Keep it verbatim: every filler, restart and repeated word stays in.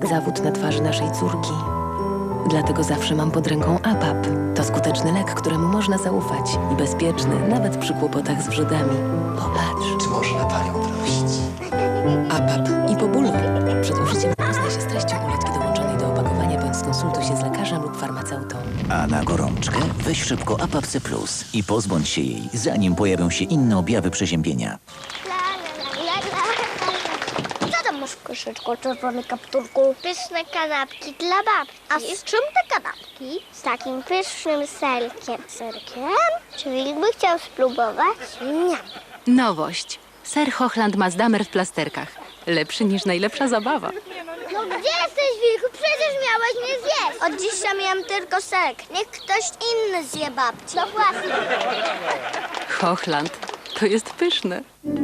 zawód na twarzy naszej córki. Dlatego zawsze mam pod ręką A P A P. To skuteczny lek, któremu można zaufać i bezpieczny, nawet przy kłopotach z wrzodami. Popatrz. Czy można panią prosić? A P A P i po bólu. Przed użyciem zapoznaj się z treścią ulotki dołączonej do opakowania, bądź skonsultuj się z lekarzem lub farmaceutą. A na gorączkę weź szybko A P A P C plus i pozbądź się jej, zanim pojawią się inne objawy przeziębienia. Co tam masz w koszyczku, czerwony kapturku? Pyszne kanapki dla babci. A z czym te kanapki? Z takim pysznym serkiem. Serkiem? Czy Wilk by chciał spróbować? Nie. Nowość. Ser Hochland Mazdamer w plasterkach. Lepszy niż najlepsza zabawa. No gdzie jesteś, Wilku? Przecież miałeś mnie zjeść. Od dziś ja miałam tylko serek. Niech ktoś inny zje babci. No właśnie. Hochland. To jest pyszne.